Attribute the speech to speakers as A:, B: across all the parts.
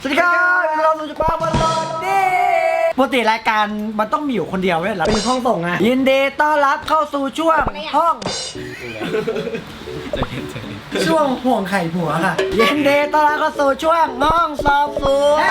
A: สวัสดีครับเราสุจป้าบอลลอนนี่ปกติรายการมันต้องมีอยู่คนเดียวเนี่ยเป็นห้องส่งไงยินดีต้อนรับเข้าสู่ช่วงห้องช่วงห่วงไข่ผัวค่ะยินดีต้อนรับเข้าสู่ช่วงห้องสอบสวน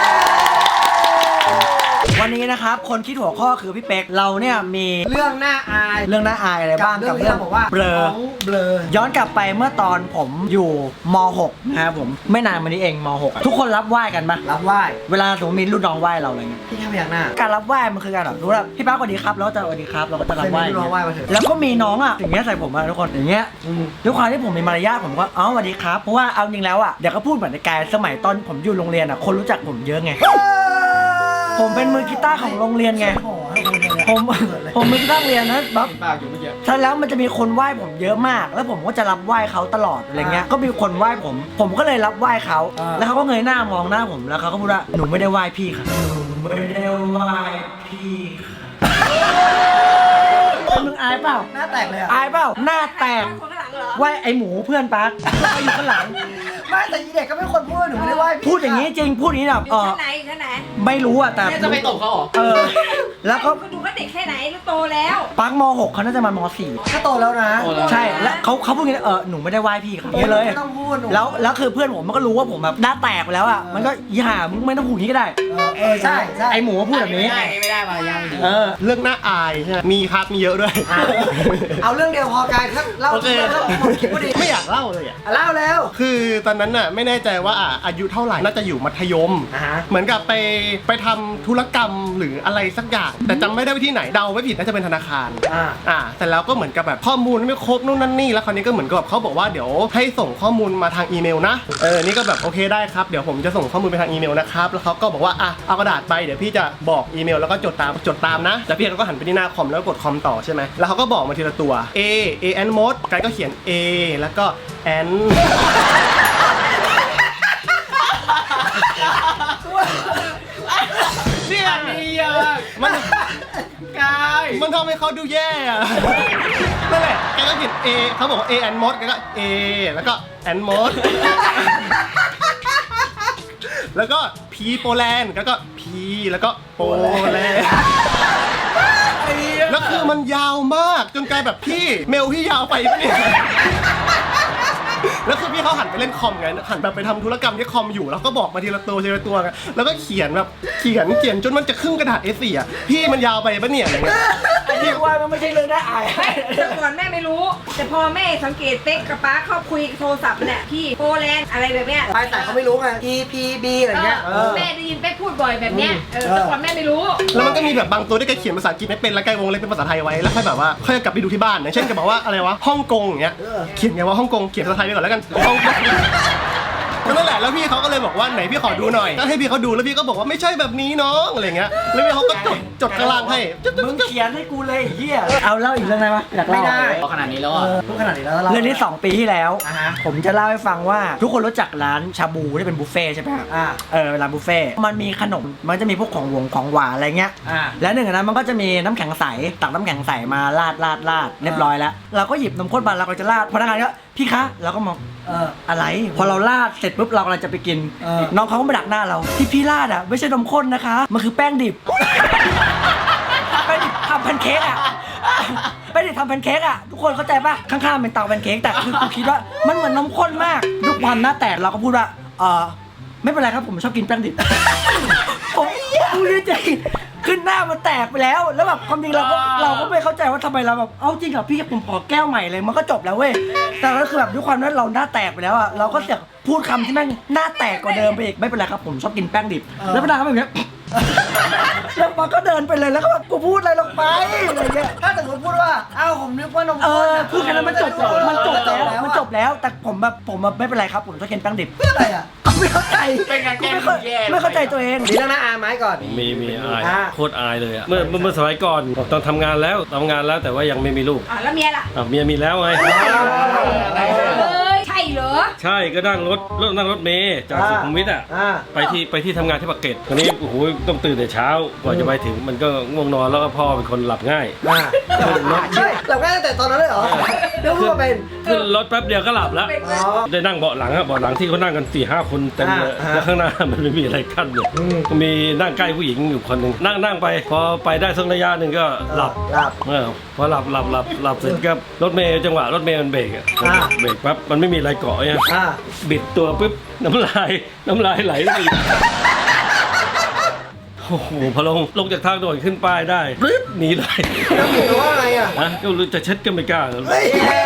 A: วันนี้นะครับคนคิดหัวข้อคือพี่เป๊กเราเนี่ยมีเรื่องน่าอายอะไรบ้างกับเรื่องบอกว่าเบลอย้อนกลับไปเมื่อตอนผมอยู่ม .6 นะครับผมไม่นานมานี้เองม .6 ทุกคนรับไหว้กันปะรับไหว้เวลาสมมติมีรุ่นน้องไหว้เราอะไรเงี้ยพี่แค่พยักหน้าการรับไหว้มันคือการแบบรู้ว่าพี่ป้าสวัสดีครับแล้วจะสวัสดีครับเราก็จะรับไหว้แล้วก็มีน้องอ่ะอย่างเงี้ยใส่ผมมาทุกคนอย่างเงี้ยด้วยความที่ผมมีมารยาทผมก็สวัสดีครับเพราะว่าเอาจริงแล้วอ่ะเดี๋ยวก็พูดเหมือนในกายสมัยตอนผมอยู่โรงเรียนอ่ะคนรู้จักผมเยอะไงผมเป็นมือกีตาร์ของโรงเรียนไงผมมือกีตาร์เรียนนะบ๊อบใช่แล้วมันจะมีคนไหว้ผมเยอะมากแล้วผมก็จะรับไหว้เขาตลอดอะไรเงี้ยก็มีคนไหว้ผมก็เลยรับไหว้เขาแล้วเขาก็เงยหน้ามองหน้าผมแล้วเขาก็พูดว่าหนูไม่ได้ไหว้พี่ค่ะหนูไม่ได้ไหว้พี่ค่ะมึงอายเปล่าหน้าแตกเลยอายเปล่าหน้าแตกไหว้ไอหมูเพื่อนปั๊กเขาอยู่ข้างหลังไม่แต่ยีเด็กก็ไม่คนพูดหนูไม่ได้ไหว้พูดอย่างนี้จริงพูดอย่างนี้แบบ
B: ชั้นไหน
A: ไม่รู้อ่ะแต่
C: จะไปตบเขาเหรอ
A: แล้วก็
B: ดูว่าเด็กแค่ไหนแล้วโตแล้ว
A: ปั๊กม .6 เขาน่าจะมาม .4 ก็โตแล้วนะใช่แล้วเขาพูดอย่างนี้หนูไม่ได้ไหว้พี่เขาอย่างนี้เลยไม่ต้องพูดแล้วคือเพื่อนผมมันก็รู้ว่าผมแบบหน้าแตกไปแล้วอ่ะมันก็ย่ามึงไม่ต้องพูดอย่างนี้ก็ได้ใช่ไอหมูพูดแบบนี้
C: ไม่ได้มายัง
D: เรื่องน่าอายใช่ไหมมีครับมีเยอะด้วย
A: เอาเรื่องเดียวพอกายถ้าเล่าหมดคลิปพอดี
D: ไม่อยากเล่าเลยอ่ะ
A: เล่าแล้ว
D: คือตอนนั้นน่ะไม่แน่ใจว่าอายุเท่าไหร่น่าจะอยู่มัธยมเหมือนกับไปทำธุรกรรมหรืออะไรสักอย่างแต่จำไม่ได้ว่าที่ไหนเดาไม่ผิดน่าจะเป็นธนาคารแต่แล้วก็เหมือนกับแบบข้อมูลไม่ครบนู่นนั่นนี่แล้วคราวนี้ก็เหมือนกับเขาบอกว่าเดี๋ยวให้ส่งข้อมูลมาทางอีเมลนะนี่ก็แบบโอเคได้ครับเดี๋ยวผมจะส่งข้อมูลไปทางอีเมลนะครับแล้วเขาก็บอกว่าเอากระดาษไปเดี๋ยวพี่จะบอกอีเมลแล้วก็จดตามนะแล้วพี่ก็หันไปที่หน้าคอมแล้วกดคอมต่อใช่ไหมแล้วเขาก็บอกมาทีละตัว an mode กายก็เขียน a แล้วก็ n
C: เนี่ยนี่อะ
D: มันทำให้เขาดูแย่อะนั่นแหละแกก็เขียน A เขาบอกว่า A and mod แกก็ A แล้วก็ and mod แล้วก็ P โปแลนด์แล้วก็ P แล้วก็โปแลนด์แล้วคือมันยาวมากจนกลายแบบพี่เมลพี่ยาวไปปะเนี่ยแล้วคือพี่เขาหันไปเล่นคอมไงหันแบบไปทำธุรกรรมที่คอมอยู่แล้วก็บอกมาทีละตัวไงแล้วก็เขียนแบบเขียนจนมันจะครึ่งกระดาษ A4 อ่ะพี่มันยาวไปปะเนี่ยอะไรเงี้ย
A: พี่ว่ามันไม่ใช่เรื่องน่าอาย
B: แต่ก่อนแม่ไม่รู้แต่พอแม่สังเกตเป๊กกับป๊าเขาคุยโทรศัพท์เนี่ยพี่โปแลนด์อะไรแบบเนี้ย
A: แต่เขาไม่รู้ไง EPB อะไรเงี้ย
B: แม่ได้ยินเป๊กพูดบ่อยแบบเนี้ยแต่ก่อนแม่ไม่รู้
D: แล้วมันก็มีแบบบางตัวที่แกเขียนภาษาอังกฤษไม่เป็นแล้วแกวงเล็บเป็นภาษาไทยไว้แล้วค่อยแบบว่าค่อยกลับไปดูที่บ้านอย่างเช่นแกบอกว่าอะไรวะฮ่องกงอย่างเงี้ยเขียนไงว่าฮ่องกงเขียนภาษาไทยไปก่อนแล้วกันก็นั่นแหละแล้วพี่เขาก็เลยบอกว่าไหนพี่ขอดูหน่อยก็ให้พี่เขาดูแล้วพี่ก็บอกว่าไม่ใช่แบบนี้น้องอะไรเงี้ยแล้วพี่เขาก็จดข้างล่างให้
A: มึงเขียนให้กูเลยเฮียเอาเล่าอีกเรื่องไหมอยากเล่าไม่ได้
C: ขนาดนี้แล้วอ่ะ
A: พูดขนาดนี้แล้วเรื่องนี้2 ปีที่แล้วผมจะเล่าให้ฟังว่าทุกคนรู้จักร้านชาบูที่เป็นบุฟเฟ่ใช่ไหมครับร้านบุฟเฟ่มันมีขนมมันจะมีพวกของหวานอะไรเงี้ยแล้วหนึ่งในนั้นมันก็จะมีน้ำแข็งใสตักน้ำแข็งใสมาราดเรียบร้อยแล้วเราก็หยิบนมข้นมาเราก็จะราดพนักงานก็พี่คะเราก็มองอะไรพอเราราดเสร็จปุ๊บเรากำลังจะไปกินน้องเขาก็มาดักหน้าเราที่พี่ราดอ่ะไม่ใช่นมข้นนะคะมันคือแป้งดิบแป้งดิบทำแพนเค้กอ่ะแป้งดิบทำแพนเค้กอ่ะทุกคนเข้าใจป่ะข้างๆเป็นเตาแพนเค้กแต่คือกูคิดว่ามันเหมือนนมข้นมากด้วยความหน้าแตกเราก็พูดว่าไม่เป็นไรครับผมชอบกินแป้งดิบผมพูดจริงขึ้นหน้ามันแตกไปแล้วแบบความจริงเราก็ไม่เข้าใจว่าทำไมเราแบบเอาจริงเหรอพี่ผมขอแก้วใหม่เลยมันก็จบแล้วเว้ยแต่ก็คือแบบด้วยความที่เราหน้าแตกไปแล้วอ่ะเราก็เสียพูดคำที่แม่งหน้าแตกกว่าเดิมไปอีกไม่เป็นไรครับผมชอบกินแป้งดิบแล้วพนักงานก็แบบนี้แล้วมันก็เดินไปเลยแล้วก็แบบกูพูดอะไรลงไปอะไรเงี้ยถ้าสมมติพูดว่าอ้าวผมนึกว่านมข้นพูดแค่นั้นมันจบแล้วแต่ผมแบบไม่เป็นไรครับผมชอบกินแป้งดิบเพื่ออะไรอ่ะไม่เข้าใจไม่เข้าใจตัวเองดีแล้วนะอาไม้ก่อน
E: มีอายโคตรอายเลยอ่ะเมื่อสมัยก่อนตอนทำงานแล้วแต่ว่ายังไม่มีลูก
B: แล้วเมียล่ะ
E: เมียมีแล้วไง
B: ใช่เหรอ
E: ใช่ก็นั่งรถเมล์จากสุขุมวิทไปที่ทำงานที่ปากเกร็ดวันนี้โอ้โหต้องตื่นแต่เช้ากว่าจะไปถึงมันก็ง่วงนอนแล้วก็พ่อเป็นคนหลับง่าย
A: ใช่หลับง่ายตั้งแต่ตอนนั้นเลยเหรอแล้วพูดเป็น
E: ขึ้นรถแป๊บเดียวก็หลับแล้ว
B: เป็นไหม
E: ได้นั่งเบาะหลังอะเบาะหลังที่เขานั่งกัน4-5 คนเต็มเลย
A: อ่า
E: แล้วข้างหน้ามันไม่มีอะไรกั้นเลยมีนั่งใกล้ผู้หญิงอยู่คนหนึ่งนั่งไป พอไปได้สักระยะหนึ่งก็หลับ
A: หลับ
E: พอหลับเสร็จก็รถเมย์จังหวะรถเมย์มันเบรกอะ
A: อ่า
E: เบรกปั๊บมันไม่มีอะไรเกาะเนี่ย
A: อ่า
E: บิดตัวปุ๊บน้ำลายไหลเลยโอ้โหพอลงจากทางด่วนขึ้นป้ายได้ปึ๊บหนีเลย
A: แล้วหมูว่าอะไรอ่ะ
E: นะก็รู้จะเช็ดก็ไม่กล้า
A: เฮ้ย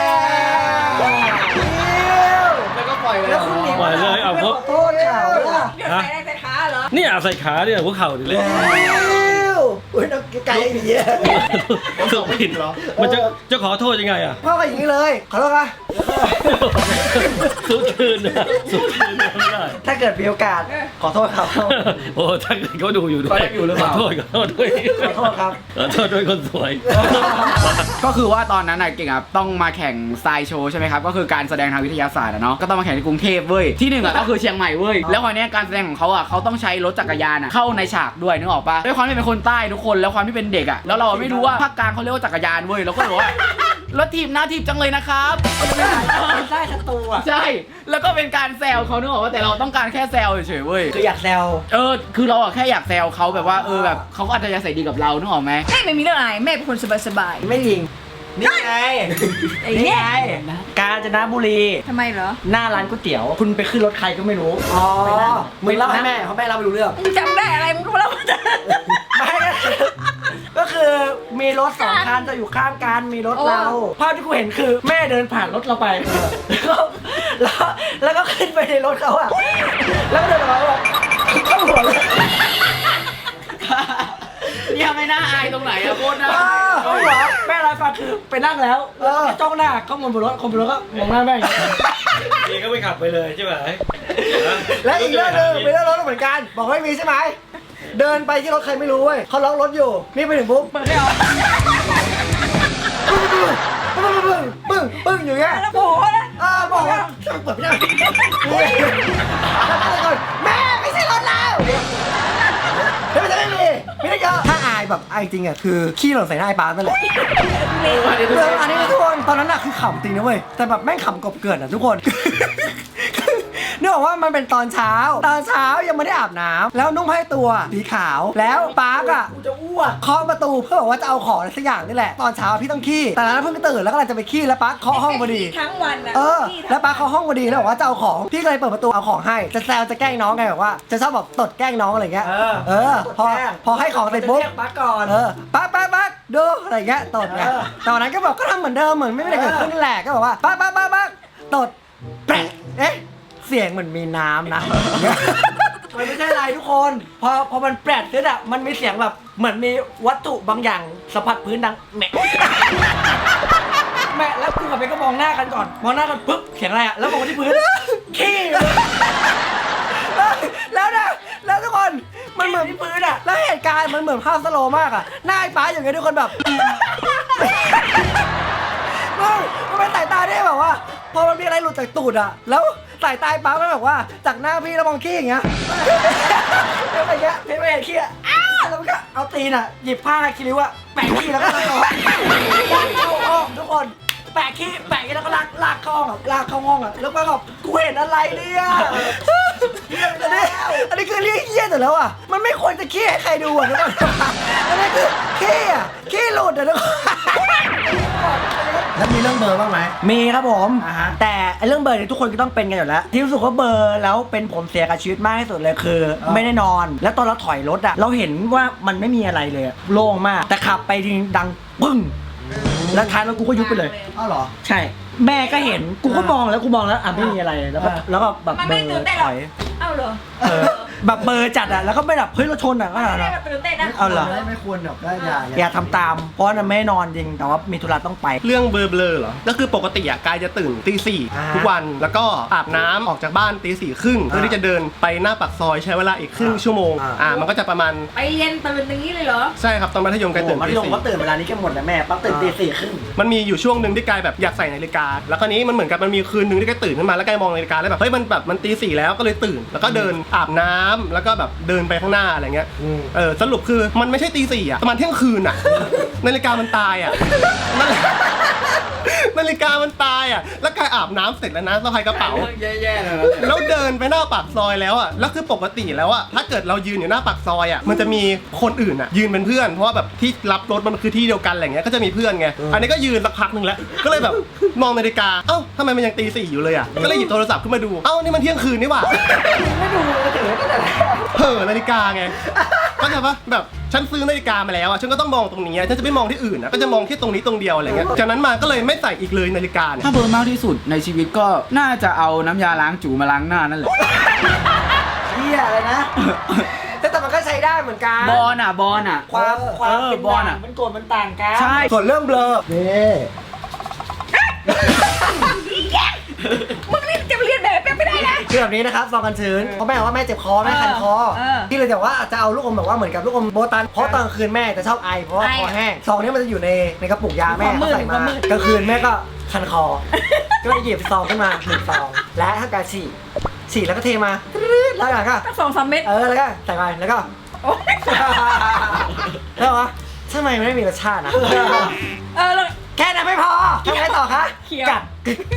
C: แล้วก็ปล่อยเลย
A: แล้วคุณหนี
E: ปล่อยเลยเอา
A: ไม่
E: พ
A: ข
E: ว
A: อก โทษเขาล่ะ
B: เดี๋ยวใส่ได้ใส่ขาเหรอ
E: นี่อาใส่ขาเนี่ยหัวเข่าดิเลย
A: อุ้ยน้องไก่อย่างเงี้ย
E: สุดผิดเหรอมันจะขอโทษยังไงอ่ะ
A: พ่อก็อย่างนี้เลยขอโทษค่ะ
E: สู้คืนนะสู้คืนนะไม่ได้
A: ถ้าเกิดมีโอกาสขอโทษครับ
E: โอ้ถ้าเกิดเขาดูอยู่ด้วย
C: เขายังอยู่หรือเปล่า
E: ขอโทษด้วย
A: ขอโทษครับ
E: ขอโทษด้วยคนสวย
C: ก็คือว่าตอนนั้นน่ะเก่งครับต้องมาแข่งทรายโชว์ใช่ไหมครับก็คือการแสดงทางวิทยาศาสตร์อะเนาะก็ต้องมาแข่งที่กรุงเทพเว้ยที่หนึ่งอะก็คือเชียงใหม่เว้ยแล้ววันนี้การแสดงของเขาอะเขาต้องใช้รถจักรยานอะเข้าในฉากด้วยนึกออกปะด้วยความที่เป็นคนใต้ทุกคนแล้วความที่เป็นเด็กอะแล้วเราไม่รู้ว่าภาคกลางเขาเรียกว่าจักรยานเว้ยเราก็เลยบอกว่ารถถีบหน้าถีบจังเลยนะครับ
A: ได้ศัตรูอ่ะ
C: ใช่แล้วก็เป็นการแซวเขานึกออกว่าแต่เราต้องการแค่แซวเฉยๆเว้ย
A: คืออยากแซว
C: คือเราอะแค่อยากแซวเขาแบบว่าแบบเขาก็อาจจะใส่ดีกับเรานึกออกไหม
B: แม่ไม่มีเรื่องอะไรแม่เป็นคนสบาย
A: ไม่ลิงนี่ไง
B: ๆไอ้
A: นี่
B: เนี่ย
A: ไงกาญจนบุรี
B: ทำไมเหรอ
A: หน้าร้านก๋วยเตี๋ยว คุณไปขึ้นรถใครก็ไม่รู้อ๋อมึงเล่าให้แม่เพราะแม่เล่าไม่รู้เรื่อง
B: มึงจำได้อะไรมึงก็มาเล่ามาจ้ะ
A: ไม่ก็คือมีรถสองคันจะอยู่ข้างกันมีรถเราภาพที่กูเห็นคือแม่เดินผ่านรถเราไปแล้วก็ขึ้นไปในรถเขาอะแล้วก็เดินออกมาแบบเข้าหัวเลย
C: เนี่ยไม่น่าอายตรงไหนอะโคตรน่า
A: เข้าหัวแม่รายฟังคือไปนั่งแล้วจ้องหน้าเขาบนรถคนบนรถก็มองหน้าแม่อย่างเงี้ย
E: นี่ก็ไม่ขับไปเลยใช่ไหม
A: และอีกเรื่องหนึงเป็นเรื่องรถเหมือนกันบอกไม่มีใช่ไหมเดินไปที่รถใครไม่รู้เว้ยเขาล็อกรถอยู่นี่ไปถึงปุ๊บเปิดไม่ออกปึ้งอยู่เงี้ย
B: แล้วโผล่นะ
A: บอกว่าเปิดไม่ได้แม่ไม่ใช่รถเราไม่ได้เยอะถ้าอายแบบอายจริงอะคือขี้หล่นใส่หน้าไอ้ปานั่นแหละอันนี้ทุกคนตอนนั้นอะคือขำจริงนะเว้ยแต่แบบแม่งขำกบเกิดอะทุกคนเนื่องจากว่ามันเป็นตอนเช้ายังไม่ได้อาบน้ำแล้วนุ่งผ้าตัวสีขาวแล้วปาร์กอะจะอ้วกเคาะประตูเพื่อบอกว่าจะเอาของอะไรสักอย่างนี่แหละตอนเช้าพี่ต้องขี้แต่นั้นเพิ่งตื่นแล้วก็เลยจะไปขี้แล้วปาร์กเคาะห้องพอดี
B: ทั้งวันนะ
A: แล้วป้าเขาห้องพอดีแล้วบอกว่าจะเอาของพี่ก็เลยเปิดประตูเอาของให้จะแซวจะแกล้งน้องไงแบบว่าจะชอบแบบตดแกล้งน้องอะไรเงี้ยพอให้ของเสร็จปุ๊บป้าก่อนป้าดูอะไรเงี้ยตดไงแต่วันนั้นก็บอกก็ทำเหมือนเดิมเหมือนไม่ได้เกิดขึ้นแหละก็บอกว่าป้าตดแปะเอ๊ะเสียงเหมือนมีน้ำนะมันไม่ใช่อะไรทุกคนพอมันแปดขึ้นอ่ะมันมีเสียงแบบเหมือนมีวัตถุบางอย่างสัมผัสพื้นดังแหมแม่แล้วกูกับเบนก็มองหน้ากันก่อนมองหน้ากันปุ๊บเสียงอะไรอ่ะแล้วมองไปที่พื้นขี้แล้วทุกคนมันเหมือนที่พื้นอ่ะแล้วเหตุการณ์มันเหมือนภาพสโลว์มากอ่ะหน้าไอ้ป้าอย่างเงี้ยทุกคนแบบมันเป็นสายตาที่แบบว่าพอมันมีอะไรหลุดจากตูดอ่ะแล้วสายตาไอ้ป้ามันแบบว่าจากหน้าพี่แล้วมองขี้อย่างเงี้ยแล้วอะไรเงี้ยพี่ไม่เห็นขี้อ่ะแล้วมันก็เอาตีนอ่ะหยิบผ้าคิริวอ่ะแปะขี้แล้วก็เข้าห้องทุกคนแปะขี้แปะขี้แล้วก็ลากเข้าห้องอ่ะลากเข้าห้องอ่ะแล้วก็แบบกูเห็นอะไรเนี่ยอันนี้คือเรียกเหี้ยแต่แล้วอ่ะมันไม่ควรจะขี้ให้ใครดูอ่ะทุกคนอันนี้คือขี้อ่ะขี้หลุดอ่ะทุกคนแล้วมีเรื่องเบอร์บ้างไหมมีครับผมแต่เรื่องเบอร์เนี่ยทุกคนก็ต้องเป็นกันอยู่แล้วที่รู้สึกว่าเบอร์แล้วเป็นผลเสียกับชีวิตมากที่สุดเลยคือไม่ได้นอนแล้วตอนเราถอยรถอ่ะเราเห็นว่ามันไม่มีอะไรเลยโล่งมากแต่ขับไปทีดังปึ้งแล้วท้ายรถกูก็ยุบไปเลยอ้าวเหรอใช่แม่ก็เห็นกูก็มองแล้วอ่ะไม่มีอะไรแล้วก็แบบ
B: มัน
A: เบ
B: ไม่
A: อ
B: ตื่น
A: ร์
B: เต้น
A: ถ
B: หรอ
A: อย
B: เอ้าเหรอ
A: แบบเบอร์จัดอ่ะแล้วก็ไม่แบบเฮ้ยเราชนอ่ะก็
B: ไม่ได้แบบตื่นเต้นนะ
A: เอาเหรอ
F: ไม่ควรแบบได้
A: อย่าทำตามเพราะมันไม่นอนจริงแต่ว่ามีธุระต้องไป
D: เรื่องเบลอๆเหรอ ก็คือปกติอะกายจะตื่นตี
A: อ่า
D: 4ทุกวัน แล้วก็อาบน้ำออกจากบ้านตี 4 ครึ่งเพื่อที่จะเดินไปหน้าปากซอยใช้เวลาอีกครึ่งชั่วโมง มันก็จะประมาณ
B: ไปเรียนตื่นอย่างนี้เลยเหรอ
D: ใช่ครับตอนมัธยมกายตื่น
A: มัธ
D: ตี
A: ยมก็
D: 4
A: ตื่นเวลานี้กันหมดแล้วแม่ปั๊บตื่นตี 4:30
D: มันมีอยู่ช่วงหนึ่งที่กายแบบอยากใส่นาฬิกา แล้วคราวนี้มันเหมือนกับมันมีคืนหนึ่งที่กายตื่นขึ้นมาแล้วกายมองนาฬิกาแล้วแบบเฮ้ยมันตี 4แล้วก็เลยตื่น แล้วก็เดินอาบน้ำแล้วก็แบบเดินไปข้างหน้าอะไรเงี้ยสรุปคือมันไม่ใช่ตี 4อะประมาณเที่ยงคืนอะนาฬิกามันตายอะนั่นแหละนาฬิกามันตายอ่ะแล้วกายอาบน้ำเสร็จแล้วนะสะพายกระเป๋า
C: แย่ๆเลย
D: แล้วเดินไปหน้าปากซอยแล้วอ่ะแล้วคือปกติแล้วอ่ะถ้าเกิดเรายืนอยู่หน้าปากซอยอ่ะมันจะมีคนอื่นอ่ะยืนเป็นเพื่อนเพราะว่าแบบที่รับรถมันคือที่เดียวกันอะไรเงี้ยก็จะมีเพื่อนไงอันนี้ก็ยืนสักพักหนึ่งแล้วก็เลยแบบมองนาฬิกาเอ้าทำไมมันยังตี 4อยู่เลยอ่ะก็เลยหยิบโทรศัพท์ขึ้นมาดูเอ้านี่มันเที่ยงคืนนี่หว่า
A: ไม่ดูเลยถือตั้งแต่แรก
D: เห่อนาฬิกาไงเข้าใจปะแบบฉันซื้อนาฬิกามาแล้วอ่ะฉันก็ต้องมองตรงนี้ฉันจะไม่มองที่อื่นนะก็จะมองที่ตรงนี้ตรงเดียวอะไรเงี้ยจากนั้นมาก็เลยไม่ใส่อีกเลยนาฬิกาเนี่ย
C: ถ้าเบอร์มากที่สุดในชีวิตก็น่าจะเอาน้ำยาล้างจูมาล้างหน้านั่นแหละ
A: เฮียอะไรนะ แต่มันก็ใช้ได้เหมือนกัน
C: บอลอ่ะ
A: ความ เป็น
C: บอล
A: ด่า
C: อ่ะ
A: งมันโกรธมันต่างกัน
C: ใช่
A: ส่วนเรื่องเบลอนี่
B: มึงนี่จะเรียนแบบไม่ได้นะ
A: คือแบบนี้นะครับซองกันชื้นเพราะแม่บอกว่าแม่เจ็บคอแม่คันคอ ที่เลยแต่ว่าจะเอาลูกอมแบบว่าเหมือนกับลูกอมโบตันเพราะตอนกลางคืนแม่จะชอบไอเพราะว่าคอแห้งซองนี้มันจะอยู่ในกระปุกยาแม่เขาใส่มากลางคืนแม่ก็คันคอ ก็เลยหยิบซองขึ้นมา1 ซองและถ้าการฉี่แล้วก็เทมาแล้วอย่างก็
B: ตั้ง2-3 เม็ด
A: แล้วก็ใส่ไปแล้วก็
B: โอ๊ย
A: แล้ววะทำไมมันไม่มีรสชาตินะ
B: แล้ว
A: แค่นั้นไม่พอทำไงต่อคะ
B: เคี้ยว
A: กัด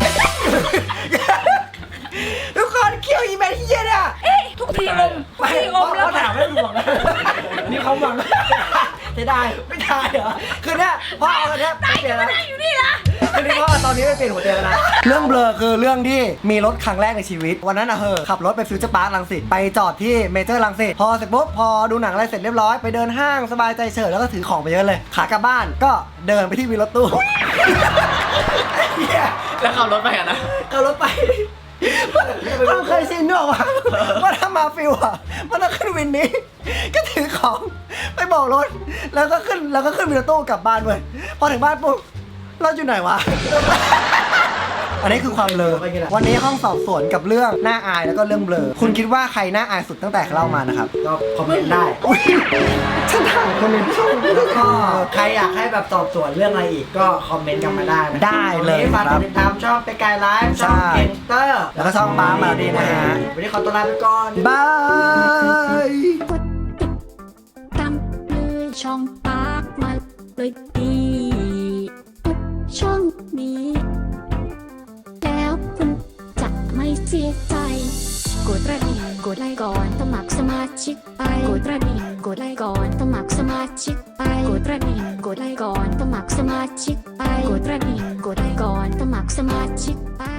A: ทุกคนเคี้ยวอีเมลเฮียเนี่ย
B: ทุกทีอมแล้ว
A: ถามไม่ได้หวังนะนี่เขาหวังจะได้ไม่ได้เหรอคือเนี่ยพ่อเอาอันเนี้ยไปเปลี่ยนแล้ว
B: ได้อยู่นี่ละ
A: คือนี่พ่อตอนนี้ไปเปลี่ยนหัวเตียงแล้วนะเรื่องเบลอคือเรื่องที่มีรถครั้งแรกในชีวิตวันนั้นอะขับรถไปฟิวเจอร์พาร์ครังสิตไปจอดที่เมเจอร์รังสิตพอเสร็จปุ๊บพอดูหนังอะไรเสร็จเรียบร้อยไปเดินห้างสบายใจเฉิบแล้วก็ถือของไปเยอะเลยขากลับบ้านก็เดินไปที่วีรถตู้ เหี้ย
C: แล้วขับรถไปอ่ะนะ
A: เอารถไปความเคยชินด้วยว่าว่าถ้ามาฟิวอ่ะมันต้องขึ้นวินนี้ ก็ถือของไปบอกรถแล้วก็ขึ้นวินรถตู้กลับบ้านเว้ยพอถึงบ้านปุ๊บเราอยู่ไหนวะ อันนี้คือความเบลอวันนี้ห้องสอบสวนกับเรื่องหน้าอายแล้วก็เรื่องเบลอคุณคิดว่าใครหน้าอายสุดตั้งแต่เล่ามานะครับก็คอมเมนต์ได้ฉันถามคนในช่องแล้วก็ใครอยากให้แบบสอบสวนเรื่องอะไรอีกก็คอมเมนต์กันมาได้นะได้เลยฝากติดตามช่องไปไกลไลฟ์ช่องเกนเตอร์แล้วก็ช่องบ้ามาดีนะฮะวันนี้ขอตัวลาไปก่อนบาย
F: กดติดตามเลยช่องปากมาเลยดีทุกช่องนี้แล้วคุณจะไม่เสียใจกดกระดิ่งกดไลค์ก่อนสมัครสมาชิกไปกดกระดิ่งกดไลค์ก่อนสมัครสมาชิกไปกดกระดิ่งกดไลค์ก่อนสมัครสมาชิกไปกดกระดิ่งกดไลค์ก่อนสมัครสมาชิกไป